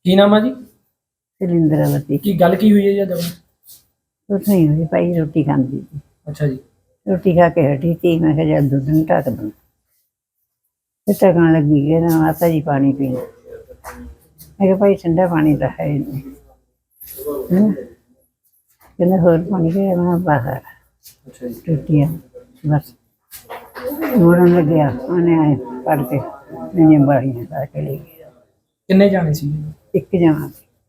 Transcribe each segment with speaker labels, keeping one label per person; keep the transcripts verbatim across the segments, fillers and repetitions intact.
Speaker 1: ਕੀ ਨਾਮ ਆ ਜੀ?
Speaker 2: सिलिंदरावती
Speaker 1: ਕੀ ਗੱਲ ਕੀ ਹੋਈ ਹੈ ਜੀ?
Speaker 2: कुछ नहीं हुई भाई, रोटी खाती थी।
Speaker 1: अच्छा जी।
Speaker 2: रोटी खा के हटी थी, मैं कहा जब दूध नहीं ढक दूँ, फिर ढकन लगी गई ना माता जी पानी पीने। मैं कहा भाई ठंडा पानी तो है नहीं, है ना? कहने होर पानी के मैं बाहर
Speaker 1: अच्छा जी।
Speaker 2: रोटियाँ बस मोड़न लग गया, उन्हें आए पढ़ के मैंने बाड़ियाँ ला के ले गया।
Speaker 1: ਕਿੰਨੇ ਜਾਣੇ ਸੀ?
Speaker 2: एक जमा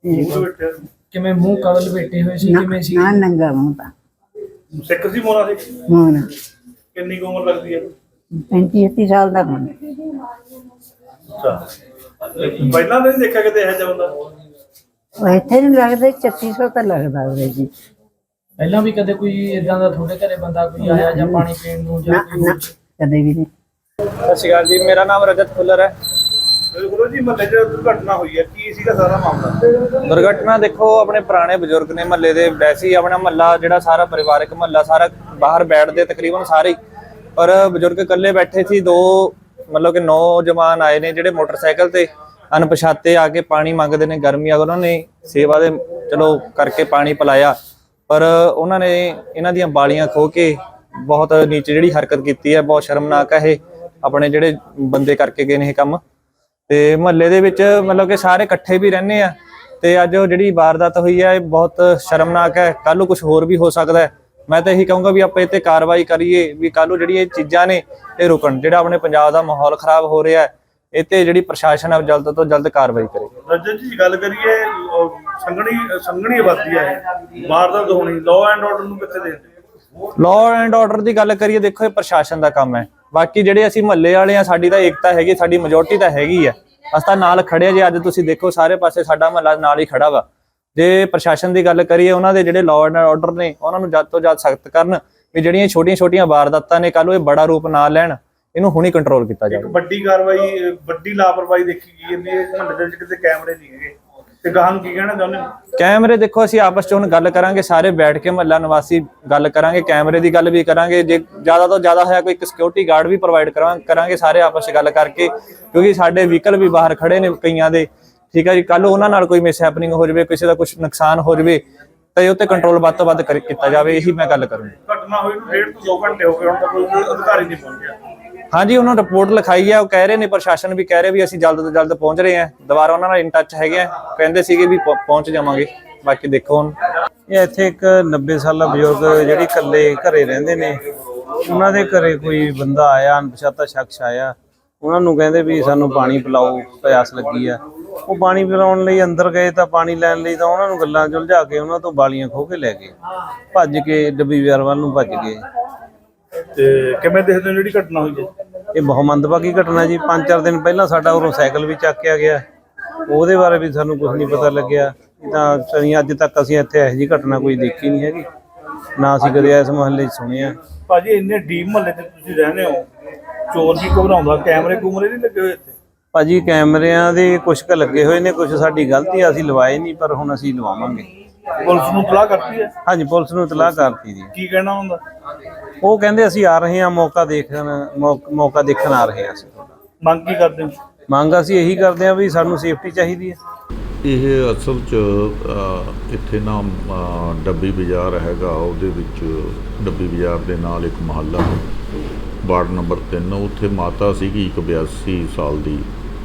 Speaker 1: ਕਿਵੇਂ ਮੂੰਹ ਕਵਲ ਬੈਠੇ ਹੋਏ ਸੀ? ਕਿਵੇਂ ਸੀ?
Speaker 2: ना नंगा मुँह था,
Speaker 3: ਸਿੱਖ ਸੀ ਮੋਨਾ ਸੀ।
Speaker 2: मोहना
Speaker 3: ਕਿੰਨੀ ਕੁ ਉਮਰ ਲੱਗਦੀ ਹੈ?
Speaker 2: पैंती छत्ती साल का होना।
Speaker 3: ਅੱਛਾ, ਪਹਿਲਾਂ ਨਹੀਂ ਦੇਖਿਆ ਕਿਤੇ ਇਹੋ ਜਿਹਾ ਬੰਦਾ?
Speaker 2: ਉਹ ਇੱਥੇ ਨਹੀਂ ਲੱਗਦਾ, ਛੱਤੀ ਸੌ ਤਾਂ ਲੱਗਦਾ ਉਹਦੇ ਜੀ।
Speaker 1: ਪਹਿਲਾਂ ਵੀ ਕਦੇ ਕੋਈ ਇਦਾਂ ਦਾ ਤੁਹਾਡੇ ਘਰੇ ਬੰਦਾ ਕੋਈ ਆਇਆ ਜਾਂ ਪਾਣੀ ਪੀਣ ਨੂੰ ਜਾਂ
Speaker 2: ਨਾ
Speaker 1: ਕੋਈ
Speaker 2: ਨਾ ਕਦੇ ਵੀ ਨਹੀਂ।
Speaker 4: ਸਤਿ ਸ਼੍ਰੀ ਅਕਾਲ ਜੀ, ਮੇਰਾ ਨਾਮ ਰਜਤ ਫੁੱਲਰ ਹੈ।
Speaker 3: ਗੁਰੂ ਜੀ ਮਹੱਲੇ 'ਚ ਦੁਰਘਟਨਾ ਹੋਈ ਹੈ, ਕੀ ਸੀਗਾ ਸਾਰਾ ਮਾਮਲਾ?
Speaker 4: ਦੁਰਘਟਨਾ ਦੇਖੋ, ਆਪਣੇ ਪੁਰਾਣੇ ਬਜ਼ੁਰਗ ਨੇ ਮਹੱਲੇ ਦੇ, ਵੈਸੇ ਹੀ ਆਪਣਾ ਮਹੱਲਾ ਜਿਹੜਾ ਸਾਰਾ ਪਰਿਵਾਰਕ ਮਹੱਲਾ ਸਾਰਾ ਬਾਹਰ ਬੈਠਦੇ ਤਕਰੀਬਨ ਸਾਰੇ ਹੀ, ਪਰ ਬਜ਼ੁਰਗ ਇਕੱਲੇ ਬੈਠੇ ਸੀ। ਦੋ ਮਤਲਬ ਕਿ ਨੌਜਵਾਨ ਆਏ ਨੇ ਜਿਹੜੇ ਮੋਟਰਸਾਈਕਲ ਤੇ ਅਣਪਛਾਤੇ ਆ ਕੇ ਪਾਣੀ ਮੰਗਦੇ ਨੇ, ਗਰਮੀ ਆ, ਉਹਨਾਂ ਨੇ ਸੇਵਾ ਦੇ ਚਲੋ ਕਰਕੇ ਪਾਣੀ ਪਿਲਾਇਆ, ਪਰ ਉਹਨਾਂ ਨੇ ਇਹਨਾਂ ਦੀਆਂ ਬਾਲੀਆਂ ਖੋਹ ਕੇ ਬਹੁਤ ਨੀਚੇ ਜਿਹੜੀ ਹਰਕਤ ਕੀਤੀ ਹੈ, ਬਹੁਤ ਸ਼ਰਮਨਾਕ ਹੈ ਇਹ ਆਪਣੇ ਜਿਹੜੇ ਬੰਦੇ ਕਰਕੇ ਗਏ ਨੇ ਇਹ ਕੰਮ। ਤੇ ਮਹੱਲੇ ਦੇ ਵਿੱਚ ਮਤਲਬ ਕਿ ਸਾਰੇ ਇਕੱਠੇ ਵੀ ਰਹਿੰਦੇ ਆ, ਤੇ ਅੱਜ ਉਹ ਜਿਹੜੀ ਵਾਰਦਾਤ ਹੋਈ ਹੈ ਇਹ ਬਹੁਤ ਸ਼ਰਮਨਾਕ ਹੈ। ਕੱਲ ਨੂੰ ਕੁਝ ਹੋਰ ਵੀ ਹੋ ਸਕਦਾ ਹੈ। ਮੈਂ ਤਾਂ ਇਹੀ ਕਹੂੰਗਾ ਵੀ ਆਪਾਂ ਇਹ ਤੇ ਕਾਰਵਾਈ ਕਰੀਏ, ਵੀ ਕੱਲ ਨੂੰ ਜਿਹੜੀ ਇਹ ਚੀਜ਼ਾਂ ਨੇ ਇਹ ਰੁਕਣ। ਜਿਹੜਾ ਆਪਣੇ ਪੰਜਾਬ ਦਾ ਮਾਹੌਲ ਖਰਾਬ ਹੋ ਰਿਹਾ ਹੈ, ਇਹ ਤੇ ਜਿਹੜੀ ਪ੍ਰਸ਼ਾਸਨ ਹੈ ਜਲਦ ਤੋਂ ਜਲਦ ਕਾਰਵਾਈ ਕਰੇ।
Speaker 3: ਰਜਤ ਜੀ ਗੱਲ ਕਰੀਏ, ਅਹ ਸੰਘਣੀ ਸੰਘਣੀ ਆਬਾਦੀ ਹੈ, ਵਾਰਦਾਤ ਹੋਣੀ, ਲਾਅ ਐਂਡ ਆਰਡਰ ਨੂੰ ਕਿੱਥੇ ਦੇ?
Speaker 4: ਲਾਅ ਐਂਡ ਆਰਡਰ ਦੀ ਗੱਲ ਕਰੀਏ, ਦੇਖੋ ਇਹ ਪ੍ਰਸ਼ਾਸਨ ਦਾ ਕੰਮ ਹੈ। ਬਾਕੀ ਜਿਹੜੇ ਅਸੀਂ ਮਹੱਲੇ ਵਾਲੇ ਆ, ਸਾਡੀ ਤਾਂ ਏਕਤਾ ਹੈਗੀ, ਸਾਡੀ ਮੈਜੋਰਟੀ ਤਾਂ ਹੈਗੀ ਆ, ਅਸੀਂ ਤਾਂ ਨਾਲ ਖੜੇ ਆ। ਜੇ ਅੱਜ ਤੁਸੀਂ ਦੇਖੋ ਸਾਰੇ ਪਾਸੇ ਸਾਡਾ ਮਹੱਲਾ ਨਾਲ ਹੀ ਖੜਾ ਵਾ। ਜੇ ਪ੍ਰਸ਼ਾਸਨ ਦੀ ਗੱਲ ਕਰੀਏ, ਉਹਨਾਂ ਦੇ ਜਿਹੜੇ ਲਾਅ ਐਂਡ ਆਰਡਰ ਨੇ ਉਹਨਾਂ ਨੂੰ ਜਦ ਤੋਂ ਜਦ ਸਖਤ ਕਰਨ, ਵੀ ਜਿਹੜੀਆਂ ਛੋਟੀਆਂ ਛੋਟੀਆਂ ਵਾਰਦਾਤਾਂ ਨੇ ਕੱਲ ਨੂੰ ਇਹ ਬੜਾ ਰੂਪ ਨਾ ਲੈਣ, ਇਹਨੂੰ ਹੁਣੀ ਕੰਟਰੋਲ ਕੀਤਾ ਜਾਵੇ।
Speaker 3: ਇੱਕ ਵੱਡੀ ਕਾਰਵਾਈ, ਵੱਡੀ ਲਾਪਰਵਾਹੀ ਦੇਖੀ ਗਈ ਹੈ, ਇਹ ਮਹੱਲੇ ਦੇ ਵਿੱਚ ਕਿਤੇ ਕੈਮਰੇ ਨਹੀਂ ਹੈਗੇ, ਤੇ ਗਾਹਾਂ ਨੂੰ ਕੀ ਕਹਿਣਾ ਚਾਹੁੰਦੇ ਹੋ?
Speaker 4: ਕੈਮਰੇ ਦੇਖੋ, ਅਸੀਂ ਆਪਸ ਚ ਹੁਣ ਗੱਲ ਕਰਾਂਗੇ, ਸਾਰੇ ਬੈਠ ਕੇ ਮਹੱਲਾ ਨਿਵਾਸੀ ਗੱਲ ਕਰਾਂਗੇ, ਕੈਮਰੇ ਦੀ ਗੱਲ ਵੀ ਕਰਾਂਗੇ। ਜੇ ਜ਼ਿਆਦਾ ਤੋਂ ਜ਼ਿਆਦਾ ਹੋਇਆ ਕੋਈ ਇੱਕ ਸਿਕਿਉਰਿਟੀ ਗਾਰਡ ਵੀ ਪ੍ਰੋਵਾਈਡ ਕਰਾਂਗੇ ਸਾਰੇ ਆਪਸ ਚ ਗੱਲ ਕਰਕੇ, ਕਿਉਂਕਿ ਸਾਡੇ ਵਹੀਕਲ ਵੀ ਬਾਹਰ ਖੜੇ ਨੇ ਕਈਆਂ ਦੇ, ਠੀਕ ਹੈ ਜੀ। ਕੱਲ ਉਹਨਾਂ ਨਾਲ ਕੋਈ ਮਿਸ ਹੈਪਨਿੰਗ ਹੋ ਜਾਵੇ, ਕਿਸੇ ਦਾ ਕੁਝ ਨੁਕਸਾਨ ਹੋ ਜਾਵੇ, ਤਾਂ ਇਹ ਉੱਤੇ ਕੰਟਰੋਲ ਵੱਧ ਤੋਂ ਵੱਧ ਕੀਤਾ ਜਾਵੇ, ਇਹੀ ਮੈਂ ਗੱਲ ਕਰੂੰਗਾ।
Speaker 3: ਘਟਨਾ ਹੋਈ ਨੂੰ ਡੇਢ ਤੋਂ ਦੋ ਘੰਟੇ ਹੋ ਗਏ, ਹੁਣ ਤੱਕ ਕੋਈ ਅਧਿਕਾਰੀ ਨਹੀਂ ਪਹੁੰਚਿਆ।
Speaker 4: ਹਾਂਜੀ, ਉਹਨਾਂ ਨੇ ਰਿਪੋਰਟ ਲਿਖਾਈ ਹੈ, ਉਹ ਕਹਿ ਰਹੇ ਨੇ, ਪ੍ਰਸ਼ਾਸਨ ਵੀ ਕਹਿ ਰਹੇ ਵੀ ਅਸੀਂ ਜਲਦ ਤੋਂ ਜਲਦ ਪਹੁੰਚ ਰਹੇ ਹਾਂ। ਦੁਬਾਰਾ ਉਹਨਾਂ ਨਾਲ ਇਨ ਟੱਚ ਹੈਗੇ ਆ, ਕਹਿੰਦੇ ਸੀਗੇ ਵੀ ਪਹੁੰਚ ਜਾਵਾਂਗੇ। ਬਾਕੀ ਦੇਖੋ ਹੁਣ
Speaker 5: ਇਹ ਇੱਥੇ ਇੱਕ ਨੱਬੇ ਸਾਲਾ ਬਜ਼ੁਰਗ ਜਿਹੜੀ ਇਕੱਲੇ ਘਰੇ ਰਹਿੰਦੇ ਨੇ, ਉਹਨਾਂ ਦੇ ਘਰੇ ਕੋਈ ਬੰਦਾ ਆਇਆ, ਅਣਪਛਾਤਾ ਸ਼ਖਸ ਆਇਆ, ਉਹਨਾਂ ਨੂੰ ਕਹਿੰਦੇ ਵੀ ਸਾਨੂੰ ਪਾਣੀ ਪਿਲਾਓ, ਪਿਆਸ ਲੱਗੀ ਆ। ਉਹ ਪਾਣੀ ਪਿਲਾਉਣ ਲਈ ਅੰਦਰ ਗਏ ਤਾਂ ਪਾਣੀ ਲੈਣ ਲਈ ਤਾਂ ਉਹਨਾਂ ਨੂੰ ਗੱਲਾਂ ਉਲਝਾ ਕੇ ਉਹਨਾਂ ਤੋਂ ਬਾਲੀਆਂ ਖੋਹ ਕੇ ਲੈ ਗਏ, ਭੱਜ ਕੇ ਡੱਬੀ ਵਿਆਰ ਵੱਲ ਨੂੰ ਭੱਜ ਗਏ।
Speaker 3: ਤੇ ਕਿਵੇਂ ਦੇਖਦੇ ਹੋ ਜਿਹੜੀ ਘਟਨਾ ਹੋਈ ਹੈ?
Speaker 5: ਇਹ ਬਹੁਤ ਮੰਦਭਾਗੀ ਘਟਨਾ ਜੀ। ਪੰਜ ਚਾਰ ਦਿਨ ਪਹਿਲਾਂ ਸਾਡਾ ਉਰੋਂ ਸਾਈਕਲ ਵੀ ਚੱਕਿਆ ਗਿਆ, ਉਹਦੇ ਬਾਰੇ ਵੀ ਸਾਨੂੰ ਕੁਝ ਨਹੀਂ ਪਤਾ ਲੱਗਿਆ। ਤਾਂ ਅਸੀਂ ਅੱਜ ਤੱਕ ਅਸੀਂ ਇੱਥੇ ਇਹੋ ਜਿਹੀ ਘਟਨਾ ਕੋਈ ਦੇਖੀ ਨਹੀਂ ਹੈਗੀ, ਨਾ ਅਸੀਂ ਕਦੇ ਇਸ ਮੁਹੱਲੇ 'ਚ ਸੁਣਿਆ।
Speaker 3: ਭਾਜੀ ਇੰਨੇ ਡੀਪ ਮਹੱਲੇ 'ਚ ਤੁਸੀਂ ਰਹਿੰਦੇ ਹੋ, ਚੋਰ ਵੀ ਘਬਰਾਉਂਦਾ, ਕੈਮਰੇ ਕੂਮਰੇ ਨਹੀਂ ਲੱਗੇ ਹੋਏ ਇੱਥੇ?
Speaker 5: ਭਾਜੀ ਕੈਮਰਿਆਂ ਦੇ ਕੁਛ ਕੁ ਲੱਗੇ ਹੋਏ ਨੇ, ਕੁਛ ਸਾਡੀ ਗਲਤੀ ਆ, ਅਸੀਂ ਲਵਾਏ ਨਹੀਂ, ਪਰ ਹੁਣ ਅਸੀਂ ਲਵਾਵਾਂਗੇ।
Speaker 3: ਪੁਲਿਸ ਨੂੰ ਇਤਲਾਹ ਕਰਤੀ ਹੈ?
Speaker 5: ਹਾਂਜੀ, ਪੁਲਿਸ ਨੂੰ ਇਤਲਾਹ ਕਰਤੀ ਜੀ।
Speaker 3: ਕੀ ਕਹਿਣਾ ਹੁੰਦਾ?
Speaker 5: ਉਹ ਕਹਿੰਦੇ ਅਸੀਂ ਆ ਰਹੇ ਹਾਂ, ਮੌਕਾ ਦੇਖਣ ਮੌਕਾ ਦੇਖਣ ਆ ਰਹੇ ਹਾਂ। ਅਸੀਂ
Speaker 3: ਮੰਗ ਕੀ ਕਰਦੇ ਹੋ?
Speaker 5: ਮੰਗ ਅਸੀਂ ਇਹੀ ਕਰਦੇ ਹਾਂ ਵੀ ਸਾਨੂੰ ਸੇਫਟੀ ਚਾਹੀਦੀ ਹੈ।
Speaker 6: ਇਹ ਅਸਲ 'ਚ ਅ, ਇੱਥੇ ਨਾ ਅ, ਡੱਬੀ ਬਾਜ਼ਾਰ ਹੈਗਾ, ਉਹਦੇ ਵਿੱਚ ਡੱਬੀ ਬਾਜ਼ਾਰ ਦੇ ਨਾਲ ਇੱਕ ਮੁਹੱਲਾ ਵਾਰਡ ਨੰਬਰ ਤਿੰਨ, ਉੱਥੇ ਮਾਤਾ ਸੀਗੀ ਇੱਕ ਬਿਆਸੀ ਸਾਲ ਦੀ।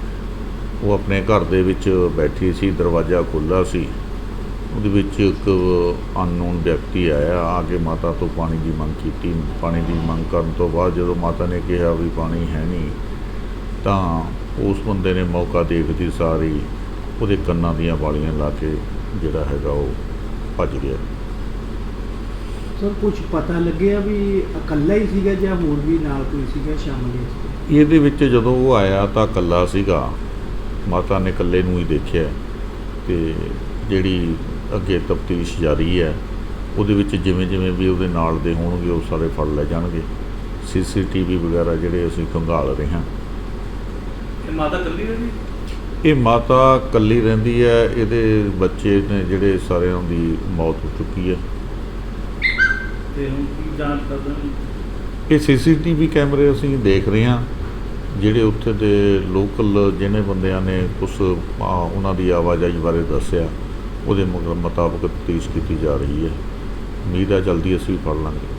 Speaker 6: ਉਹ ਆਪਣੇ ਘਰ ਦੇ ਵਿੱਚ ਬੈਠੀ ਸੀ, ਦਰਵਾਜ਼ਾ ਖੁੱਲ੍ਹਾ ਸੀ, ਉਹਦੇ ਵਿੱਚ ਇੱਕ ਅਨਨੋਨ ਵਿਅਕਤੀ ਆਇਆ, ਆ ਕੇ ਮਾਤਾ ਤੋਂ ਪਾਣੀ ਦੀ ਮੰਗ ਕੀਤੀ। ਪਾਣੀ ਦੀ ਮੰਗ ਕਰਨ ਤੋਂ ਬਾਅਦ ਜਦੋਂ ਮਾਤਾ ਨੇ ਕਿਹਾ ਵੀ ਪਾਣੀ ਹੈ ਨਹੀਂ, ਤਾਂ ਉਸ ਬੰਦੇ ਨੇ ਮੌਕਾ ਦੇਖਦੀ ਸਾਰੀ ਉਹਦੇ ਕੰਨਾਂ ਦੀਆਂ ਵਾਲੀਆਂ ਲਾ ਕੇ ਜਿਹੜਾ ਹੈਗਾ ਉਹ ਭੱਜ ਗਿਆ।
Speaker 7: ਸਰ ਕੁਝ ਪਤਾ ਲੱਗਿਆ ਵੀ ਇਕੱਲਾ ਹੀ ਸੀਗਾ ਜਾਂ ਹੋਰ ਵੀ ਨਾਲ ਕੋਈ ਸੀਗਾ ਸ਼ਾਮਲ ਇਸ ਵਿੱਚ?
Speaker 6: ਇਹਦੇ ਵਿੱਚ ਜਦੋਂ ਉਹ ਆਇਆ ਤਾਂ ਇਕੱਲਾ ਸੀਗਾ, ਮਾਤਾ ਨੇ ਇਕੱਲੇ ਨੂੰ ਹੀ ਦੇਖਿਆ। ਤੇ ਜਿਹੜੀ ਅੱਗੇ ਤਫਤੀਸ਼ ਜਾਰੀ ਹੈ, ਉਹਦੇ ਵਿੱਚ ਜਿਵੇਂ ਜਿਵੇਂ ਵੀ ਉਹਦੇ ਨਾਲ ਦੇ ਹੋਣਗੇ ਉਹ ਸਾਰੇ ਫੜ ਲੈ ਜਾਣਗੇ। ਸੀ ਸੀ ਟੀ ਵੀ ਵਗੈਰਾ ਜਿਹੜੇ ਅਸੀਂ ਖੰਗਾਲ ਰਹੇ ਹਾਂ।
Speaker 3: ਇਹ ਮਾਤਾ ਇਕੱਲੀ ਰਹਿੰਦੀ?
Speaker 6: ਇਹ ਮਾਤਾ ਇਕੱਲੀ ਰਹਿੰਦੀ ਹੈ, ਇਹਦੇ ਬੱਚੇ ਨੇ ਜਿਹੜੇ ਸਾਰਿਆਂ ਦੀ ਮੌਤ ਹੋ ਚੁੱਕੀ ਹੈ।
Speaker 3: ਤੇ ਹੁਣ ਕੀ ਜਾਂਚ ਕਰਦੇ ਹੋ?
Speaker 6: ਇਹ ਸੀ ਸੀ ਟੀ ਵੀ ਕੈਮਰੇ ਅਸੀਂ ਦੇਖ ਰਹੇ ਹਾਂ, ਜਿਹੜੇ ਉੱਥੇ ਦੇ ਲੋਕਲ ਜਿਹਨੇ ਬੰਦਿਆਂ ਨੇ ਕੁਛ ਆ, ਉਹਨਾਂ ਦੀ ਆਵਾਜਾਈ ਬਾਰੇ ਦੱਸਿਆ, ਉਹਦੇ ਮੁਤਾਬਕ ਤਫਤੀਸ਼ ਕੀਤੀ ਜਾ ਰਹੀ ਹੈ। ਉਮੀਦ ਹੈ ਜਲਦੀ ਅਸੀਂ ਫੜ ਲਾਂਗੇ।